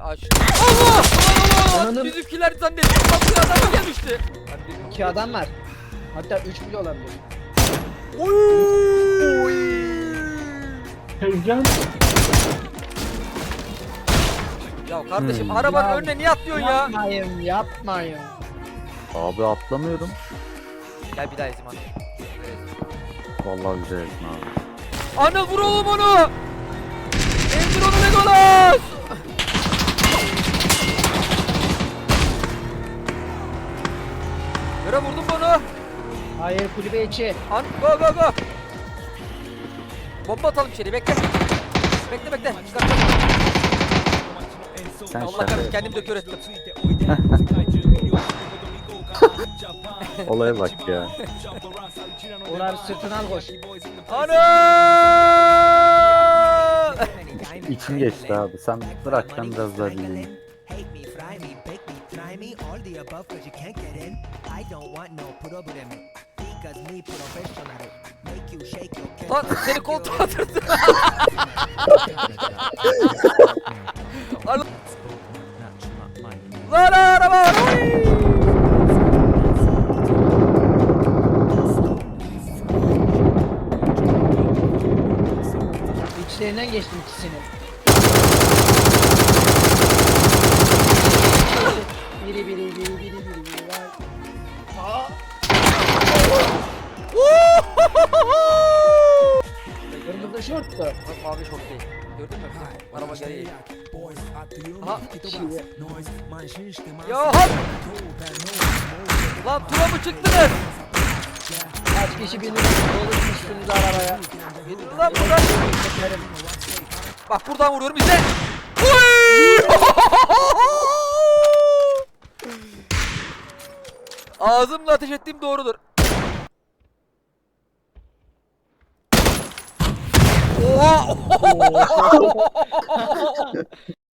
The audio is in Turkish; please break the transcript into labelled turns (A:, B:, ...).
A: Aç. Allah! Allah!
B: Ananın-
A: Bizimkiler zannettim. Bak bir adam gelmişti.
B: İki adam var. Hatta üç bile olabilir.
A: Oy!
C: Tezcan.
A: Ya kardeşim arabanın
B: Ya,
A: önüne niye atlıyorsun ya?
B: Yapmayın, yapmayın.
D: Abi atlamıyorum.
A: Gel bir daha ezim hadi.
D: Vallahi güzel ettin abi.
A: Anıl vur oğlum onu! Emdir onu Legolas! Yere vurdum bunu.
B: Hayır, kulübe içi.
A: Go go go. Bomba atalım içeri bekle. Bekle bekle. Çıkar.
D: Sen
A: Allah
D: şaka
A: kahretsin kendim döküyor ettim.
D: olaya bak ya.
B: Uğur abi sırtına al koş.
A: Anıl!
D: İçim geçti abi. Sen bırak ben biraz daha dinleyeyim.
E: Hate me, fry me, bake me, try me, all the above cause you can't get in. I don't want no problem. Because me professional. Make you shake your
A: Lan seni koltuğa atırdı. Anıl. Lan araba! Oy!
B: İçlerinden geçtim ikisinin. Biri. Vay. Kırmızı şorttu.
A: Bak mavi şort değil. Gördün mü? Araba geliyor. Aha. Ya hop! Lan tura mı çıktınız?
B: Kaç kişi binip doluşmuşsunuz arabaya.
A: Gidin lan buradan.
B: Çekerim.
A: Bak buradan vuruyorum bize. Uy! Ağzımla ateş ettiğim doğrudur. Oha!